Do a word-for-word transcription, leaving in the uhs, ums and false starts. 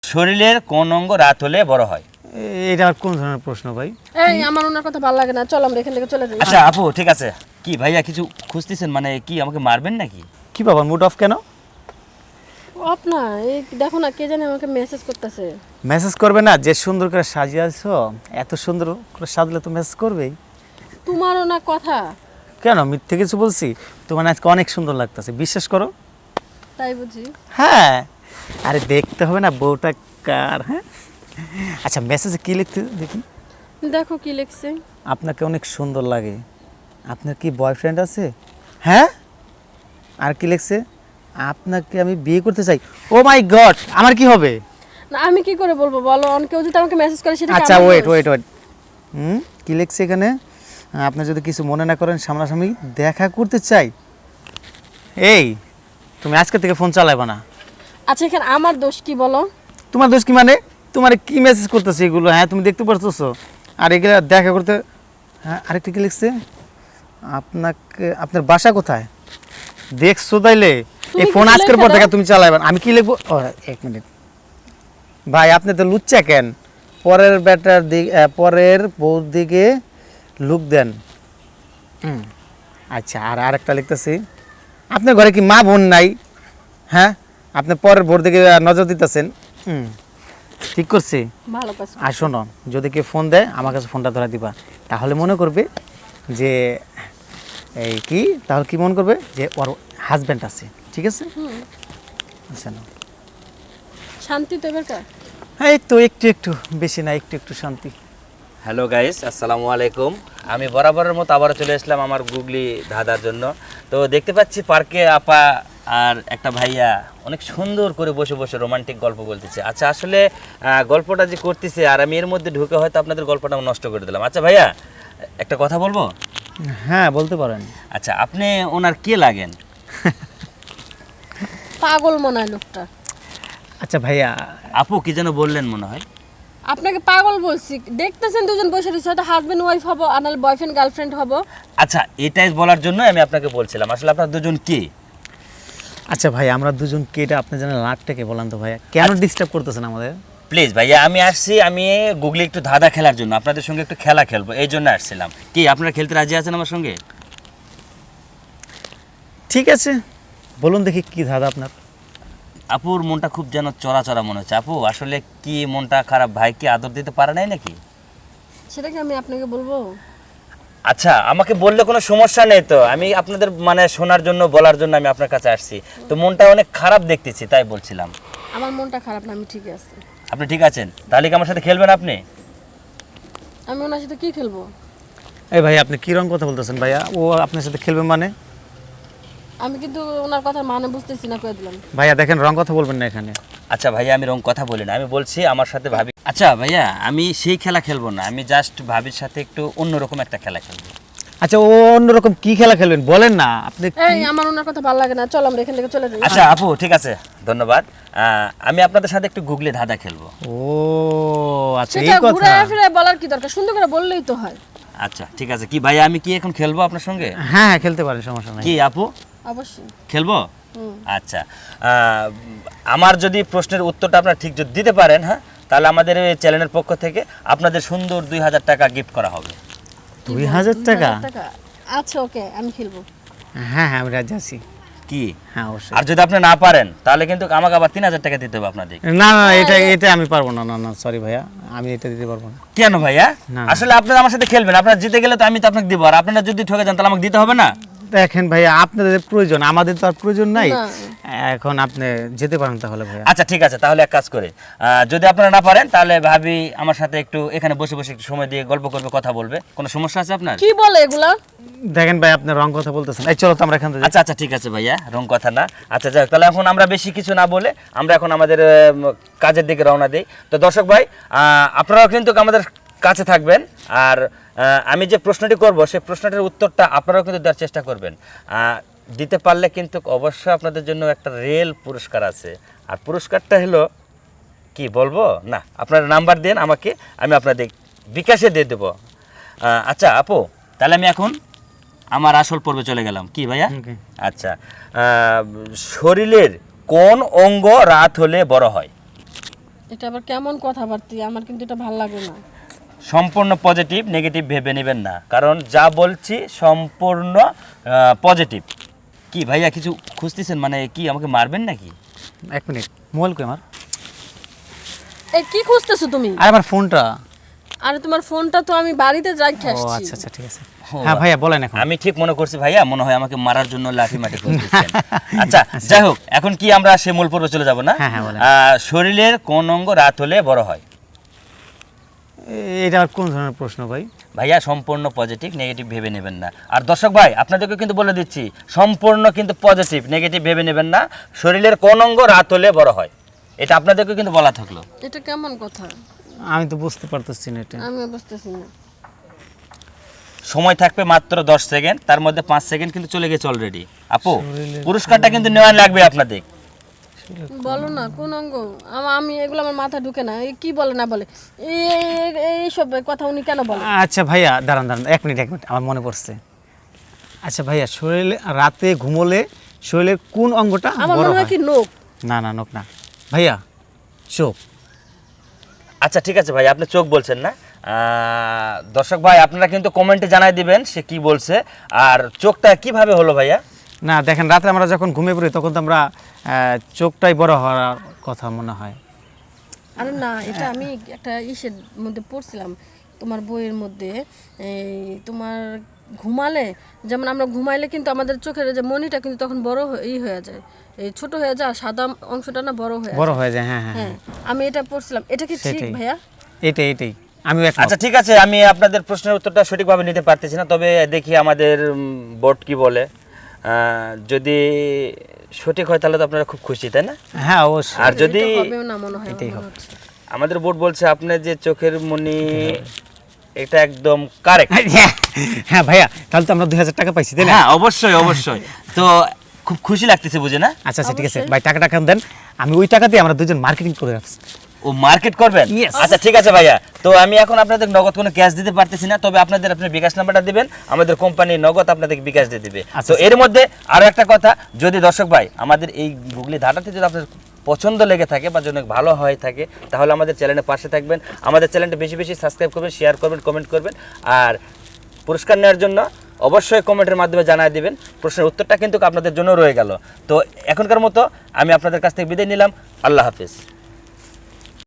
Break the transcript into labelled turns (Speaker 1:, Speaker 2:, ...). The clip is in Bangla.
Speaker 1: শরীরের কোন অঙ্গ রাত হলে বড় হয়?
Speaker 2: এটা কোন ধরনের প্রশ্ন ভাই?
Speaker 3: এই আমার ওনার কথা ভালো লাগে না, চল আমরা এখান থেকে চলে যাই।
Speaker 1: আচ্ছা আপু ঠিক আছে, কি ভাইয়া কিছু খুঁজতেছেন, মানে কি আমাকে মারবেন নাকি?
Speaker 2: কি বাবা মুড অফ কেন?
Speaker 3: অফ না, এই দেখো না কে জানে আমাকে মেসেজ করতেছে।
Speaker 2: মেসেজ করবে না? যে সুন্দর করে সাজিয়েছো, এত সুন্দর করে সাজলে তো মেসেজ করবেই।
Speaker 3: তোমারও না কথা।
Speaker 2: কেন মিথ্যে কিছু বলছি? তোমার আজকে অনেক সুন্দর লাগতেছে, বিশ্বাস করো।
Speaker 3: তাই বুঝি?
Speaker 2: হ্যাঁ, আরে দেখতে হবে না বউটা কার। হ্যাঁ আচ্ছা, মেসেজে কি লিখতে দেখি।
Speaker 3: দেখো কি লিখছে।
Speaker 2: আপনাকে অনেক সুন্দর লাগে, আপনার কি বয়ফ্রেন্ড আছে? হ্যাঁ, আর কি লিখছে? আপনাকে আমি বিয়ে করতে চাই। ও মাই গড, আমার কি হবে?
Speaker 3: না আমি কি করে বলবো বলো, অন কেউ যদি আমাকে মেসেজ করে সেটা
Speaker 2: আচ্ছা ওয়েট ওয়েট ওয়েট হুম কি লিখছে এখানে? আপনি যদি কিছু মনে না করেন, সামনাসামনি দেখা করতে চাই। এই তুমি আজকে থেকে ফোন চালাইবা না।
Speaker 3: আচ্ছা এখানে আমার দোষ কি বলো?
Speaker 2: তোমার দোষ কি মানে? তোমার কি মেসেজ করতেছে এগুলো? হ্যাঁ তুমি দেখতে পারতেছো? আর এগুলো দেখা করতে। হ্যাঁ আরেকটা কি লিখছে? আপনাকে, আপনার বাসা কোথায়? দেখছো তাইলে? এই ফোন আজকের পর থেকে তুমি চালাইবা না। আমি কি লিখবো? ও এক মিনিট ভাই, আপনি তো লুচ্চা কেন? পরের ব্যাটার দিকে, পরের বউর দিকে লুক দেন। হুম আচ্ছা, আর আরেকটা লিখতেছি, আপনার ঘরে কি মা বোন নাই? হ্যাঁ, আপনি পরের বউর দিকে নজর দিতেছেন। হুম ঠিক করছি।
Speaker 3: ভালো কাজ।
Speaker 2: আর শোনো, যদি কেউ ফোন দেয় আমার কাছে ফোনটা ধরা দিবা, তাহলে মনে করবে যে এই কি, তাহলে কি মনে করবে যে ওর হাজব্যান্ড আছে। ঠিক আছে? আচ্ছা না,
Speaker 3: শান্তি তো এবারকার।
Speaker 2: এই তো একটু একটু, বেশি না, একটু একটু শান্তি।
Speaker 1: হ্যালো গাইস, আসসালামু আলাইকুম। আমি বরাবরের মতো আবারও চলে আসলাম আমার গুগলি ধাঁধার জন্য। তো দেখতে পাচ্ছি পার্কে আপা আর একটা ভাইয়া অনেক সুন্দর করে বসে বসে রোমান্টিক গল্প বলতেছে। আচ্ছা আসলে আহ, গল্পটা যে করতেছে আর আমি এর মধ্যে ঢুকে হয়তো আপনাদের গল্পটা নষ্ট করে দিলাম। আচ্ছা ভাইয়া একটা কথা বলবো?
Speaker 2: হ্যাঁ বলতে পারেন।
Speaker 1: আচ্ছা আপনি ওনার কে লাগেন?
Speaker 3: পাগল মনে হয় লোকটা।
Speaker 2: আচ্ছা ভাইয়া,
Speaker 1: আপু কি যেন বললেন মনে হয়?
Speaker 3: আপনাকে পাগল বলছি, দেখতেছেন দুজন বসে রয়েছে, হয়তো হাজবেন্ড ওয়াইফ হবো আর নাহলে বয়ফ্রেন্ড গার্লফ্রেন্ড হবো।
Speaker 1: আচ্ছা এটাই বলার জন্য আমি আপনাকে বলছিলাম, আসলে আপনার দুজন কে?
Speaker 2: আচ্ছা ভাই, আমরা দুজন কেটা আপনি জানেন লাটটাকে বলেন তো ভাইয়া, কেন ডিস্টার্ব করতেছেন আমাদের?
Speaker 1: প্লিজ ভাইয়া, আমি আসছি আমি গুগলি একটু ধাঁধা খেলার জন্য, আপনাদের সঙ্গে একটু খেলা খেলবো এই জন্য আসছিলাম। কি আপনারা খেলতে রাজি আছেন আমার সঙ্গে?
Speaker 2: ঠিক আছে, বলুন দেখি কি ধাঁধা আপনার।
Speaker 1: আপুর মনটা খুব যেন চড়া চড়া মনে হচ্ছে। আপু আসলে কি মনটা খারাপ? ভাই কি আদর দিতে পারে নাই নাকি?
Speaker 3: সেটা কি আমি আপনাকে বলবো?
Speaker 1: আচ্ছা আমাকে বললে কোনো সমস্যা নেই তো, আমি আপনাদের মানে শোনার জন্য বলার জন্য আমি আপনার কাছে আসছি। তো মনটা অনেক খারাপ দেখতেছি তাই বলছিলাম।
Speaker 3: আমার মনটা খারাপ না, আমি ঠিক আছে।
Speaker 1: আপনি ঠিক আছেন? তাহলে কি আমার সাথে খেলবেন আপনি?
Speaker 3: আমি ওনার সাথে কি খেলবো?
Speaker 2: এই ভাই আপনি কি রকম কথা বলতেছেন ভাইয়া? ও আপনার সাথে খেলবে মানে?
Speaker 3: আমি কিন্তু ওনার কথা মানে বুঝতেছি না, কয়ে দিলাম।
Speaker 2: ভাইয়া দেখেন, রং কথা বলবেন না এখানে।
Speaker 1: আচ্ছা ভাইয়া আমি রং কথা বলি না, আমি বলছি আমার সাথে ভাবি। আচ্ছা ভাইয়া আমি সেই খেলা খেলবো না, আমি জাস্ট ভাবির সাথে একটু অন্যরকম একটা খেলা খেলবো।
Speaker 2: আচ্ছা ও অন্যরকম কি খেলা খেলবেন বলেন না আপনি।
Speaker 3: এই আমার ওনার কথা ভালো লাগে না, চল আমরা এখান থেকে চলে যাই।
Speaker 1: আচ্ছা আপু ঠিক আছে, ধন্যবাদ। আহ, আমি আপনাদের সাথে একটু গুগলি ধাঁধা খেলবো।
Speaker 2: ও আচ্ছা এই
Speaker 3: সেটা
Speaker 2: কথা।
Speaker 3: ঘুরে ফিরে বলার কি দরকার, সুন্দর করে বললেই তো হয়।
Speaker 1: আচ্ছা ঠিক আছে, কি ভাইয়া আমি কি এখন খেলবো আপনার সঙ্গে?
Speaker 2: হ্যাঁ হ্যাঁ খেলতে পারেন, সমস্যা নাই।
Speaker 1: কি আপু
Speaker 3: অবশ্যই।
Speaker 1: খেলবো? আচ্ছা আহ, আমার যদি প্রশ্নের উত্তরটা আপনারা ঠিক যদি দিতে পারেন, হ্যাঁ তাহলে আমাদের এই চ্যানেলের পক্ষ থেকে আপনাদের সুন্দর দুই হাজার টাকা গিফট করা হবে।
Speaker 2: দুই হাজার টাকা?
Speaker 3: আচ্ছা ওকে, আমি খেলবো।
Speaker 2: হ্যাঁ হ্যাঁ আমি রাজি আছি।
Speaker 1: কি?
Speaker 2: হ্যাঁ অবশ্যই।
Speaker 1: আর যদি আপনি না পারেন তাহলে কিন্তু আমাকে আবার তিন হাজার টাকা দিতে হবে আপনাদের।
Speaker 2: না না এটা এটা আমি পারবো না, না না সরি ভাইয়া, আমি এটা দিতে পারবো না।
Speaker 1: কেন ভাইয়া?
Speaker 2: না।
Speaker 1: আসলে আপনারা আমার সাথে খেলবেন, আপনারা জিতে গেলে তো আমি তো আপনাকে দিব, আর আপনারা যদি ঠকে যান তাহলে আমাকে দিতে হবে না?
Speaker 2: দেখেন ভাইয়া, আপনাদের প্রয়োজন, আমাদের তো আর প্রয়োজন নাই।
Speaker 3: না।
Speaker 2: এখন আপনি যেতে পারেন তাহলে ভাইয়া।
Speaker 1: আচ্ছা ঠিক আছে, তাহলে এক কাজ করে আহ, যদি আপনারা না পারেন তাহলে ভাবি আমার সাথে একটু এখানে বসে বসে একটু সময় দিয়ে গল্প করবে, কথা বলবে। কোনো সমস্যা আছে আপনার?
Speaker 3: কি বলে এগুলা?
Speaker 2: দেখেন ভাই আপনি রং কথা বলতেছেন, এই চলো তো আমরা এখান থেকে যাই।
Speaker 1: আচ্ছা আচ্ছা ঠিক আছে ভাইয়া, রং কথা না। আচ্ছা যাক, তাহলে এখন আমরা বেশি কিছু না বলে আমরা এখন আমাদের আহ, কাজের দিকে রওনা দিই। তো দর্শক ভাই আহ, আপনারাও কিন্তু আমাদের কাছে থাকবেন, আর আহ, আমি যে প্রশ্নটি করব সেই প্রশ্নটির উত্তরটা আপনারাও কিন্তু দেওয়ার চেষ্টা করবেন। আহ, দিতে পারলে কিন্তু অবশ্যই আপনাদের জন্য একটা রেল পুরস্কার আছে। আর পুরস্কারটা হলো কি বলবো না, আপনার নাম্বার দেন আমাকে, আমি আপনাদের বিকাশে দিয়ে দেবো। আহ, আচ্ছা আপু তাহলে আমি এখন আমার আসল পর্বে চলে গেলাম। কি ভাইয়া?
Speaker 2: Okay.
Speaker 1: আচ্ছা আহ, শরীরের কোন অঙ্গ রাত হলে বড় হয়?
Speaker 3: এটা আবার কেমন কথাবার্তা, আমার কিন্তু এটা ভালো লাগে না।
Speaker 1: সম্পূর্ণ পজিটিভ, নেগেটিভ ভেবে নেবেন না, কারণ যা বলছি সম্পূর্ণ পজিটিভ। কি ভাইয়া কিছু খুঁজতেছেন, মানে কি আমাকে মারবেন নাকি?
Speaker 2: এক মিনিট, মোবাইল কই আমার?
Speaker 3: এই কি খুঁজতেছো তুমি?
Speaker 2: আর আমার ফোনটা।
Speaker 3: আরে তোমার ফোনটা তো আমি বাড়িতে রেখে
Speaker 2: ও
Speaker 3: আসছি।
Speaker 2: আচ্ছা আচ্ছা ঠিক আছে। হ্যাঁ ভাইয়া বলেন এখন।
Speaker 1: আমি ঠিক মনে করছি ভাইয়া, মনে হয় আমাকে মারার জন্য লাঠি মাটি খুঁজতেছেন। আচ্ছা যাই হোক, এখন কি আমরা সে মূল পর্বে চলে যাব না?
Speaker 2: হ্যাঁ, হ্যাঁ, বলেন।
Speaker 1: আহ, শরীরের কোন অঙ্গ রাত হলে বড় হয়?
Speaker 2: এ- এটা আর কোন ধরনের প্রশ্ন ভাই?
Speaker 1: ভাইয়া সম্পূর্ণ পজিটিভ, নেগেটিভ ভেবে নেবেন না। আর দর্শক ভাই আপনাদেরকে কিন্তু বলে দিচ্ছি, সম্পূর্ণ কিন্তু পজিটিভ, নেগেটিভ ভেবে নেবেন না। শরীরের কোন অঙ্গ রাত হলে বড় হয়, এটা আপনাদেরকে কিন্তু বলা থাকলো।
Speaker 3: এটা কেমন কথা?
Speaker 2: আমি তো বুঝতে পারতেছি না এটা।
Speaker 3: আমি বুঝতেছি না।
Speaker 1: সময় থাকবে মাত্র দশ সেকেন্ড, তার মধ্যে পাঁচ সেকেন্ড কিন্তু চলে গেছে অলরেডি। আপু পুরস্কারটা কিন্তু নেওয়া লাগবে আপনাদের।
Speaker 3: বলো না কোন অঙ্গ? আমা- আমি এগুলো আমার মাথা ঢুকে না। এই কি বলে না বলে এই- এই সব কথা উনি কেন বলে?
Speaker 2: আচ্ছা ভাইয়া দাঁড়ান দাঁড়ান এক মিনিট এক মিনিট আমার মনে পড়ছে। আচ্ছা ভাইয়া, শরীরে রাতে ঘুমোলে শরীরের কোন অঙ্গটা
Speaker 3: আমার
Speaker 2: বড়
Speaker 3: মনে হয়
Speaker 2: হয়?
Speaker 3: কি নোক।
Speaker 2: না না নোক না ভাইয়া, চোখ।
Speaker 1: আচ্ছা ঠিক আছে ভাই, আপনি চোখ বলছেন না। আহ, দর্শক ভাই আপনারা কিন্তু কমেন্টে জানাই দিবেন সে কি বলছে, আর চোখটা কিভাবে হলো ভাইয়া?
Speaker 2: না দেখেন, রাতে আমরা যখন ঘুমিয়ে পড়ি তখন তো আমরা আহ, চোখটাই বড় হওয়ার কথা মনে হয়।
Speaker 3: আরে না, এটা আমি একটা ইসের মধ্যে পড়ছিলাম, তোমার বইয়ের মধ্যে। এই তোমার ঘুমালে, যেমন আমরা ঘুমাইলে কিন্তু আমাদের চোখের যে মনিটা কিন্তু তখন বড় হয়ে- ই হয়ে যায়, এই ছোট হয়ে যায়, আর সাদা অংশটা না বড় হয়ে যায়।
Speaker 2: বড় হয়ে যায়, হ্যাঁ হ্যাঁ
Speaker 3: হ্যাঁ, আমি এটা পড়ছিলাম। এটা কি ঠিক
Speaker 2: সেটাই।
Speaker 3: ভাইয়া?
Speaker 2: এইটাই এইটাই আমিও একমত।
Speaker 1: আচ্ছা ঠিক আছে, আমি আপনাদের প্রশ্নের উত্তরটা সঠিকভাবে নিতে পারতেছি না, তবে দেখি আমাদের বোর্ড কি বলে। আহ, যদি সঠিক হয় তাহলে তো আপনারা খুব খুশি, তাই না?
Speaker 2: হ্যাঁ অবশ্যই।
Speaker 1: আর যদি
Speaker 3: এটা হবেও না মনে হয়, আমার
Speaker 2: এটাই
Speaker 3: মনে
Speaker 2: হবে।
Speaker 3: হচ্ছে।
Speaker 1: আমাদের বোর্ড বলছে আপনার যে চোখের মনি, এটা একদম কারেক্ট।
Speaker 2: হ্যাঁ ভাইয়া, তাহলে তো আমরা দুই হাজার টাকা পাইছি তাই না?
Speaker 1: হ্যাঁ অবশ্যই অবশ্যই, তো খুব খুশি লাগতেছে বুঝে না?
Speaker 2: আচ্ছা আচ্ছা ঠিক আছে ভাই, টাকাটা কেন দেন, আমি ওই টাকা দিয়ে আমরা দুজন মার্কেটিং করে রাখছি।
Speaker 1: ও মার্কেট করবেন?
Speaker 2: Yes.
Speaker 1: আচ্ছা ঠিক আছে ভাইয়া, তো আমি এখন আপনাদের নগদ কোনো ক্যাশ দিতে পারতেছি না, তবে আপনাদের আপনার বিকাশ নাম্বারটা দিবেন, আমাদের কোম্পানি নগদ আপনাদের বিকাশ দিয়ে দিবে।
Speaker 2: আচ্ছা,
Speaker 1: তো এর মধ্যে আরো একটা কথা, যদি দর্শক ভাই আমাদের এই গুগলি ধাঁধাতে যদি আপনার পছন্দ লেগে থাকে বা যদি ভালো হয়ে থাকে, তাহলে আমাদের চ্যানেলের পাশে থাকবেন, আমাদের চ্যানেলটা বেশি বেশি সাবস্ক্রাইব করবেন, শেয়ার করবেন, কমেন্ট করবেন, আর পুরস্কার নেওয়ার জন্য অবশ্যই কমেন্টের মাধ্যমে জানায় দিবেন। প্রশ্নের উত্তরটা কিন্তু আপনাদের জন্য রয়ে গেল। তো এখনকার মতো আমি আপনাদের কাছ থেকে বিদায় নিলাম। আল্লাহ হাফেজ।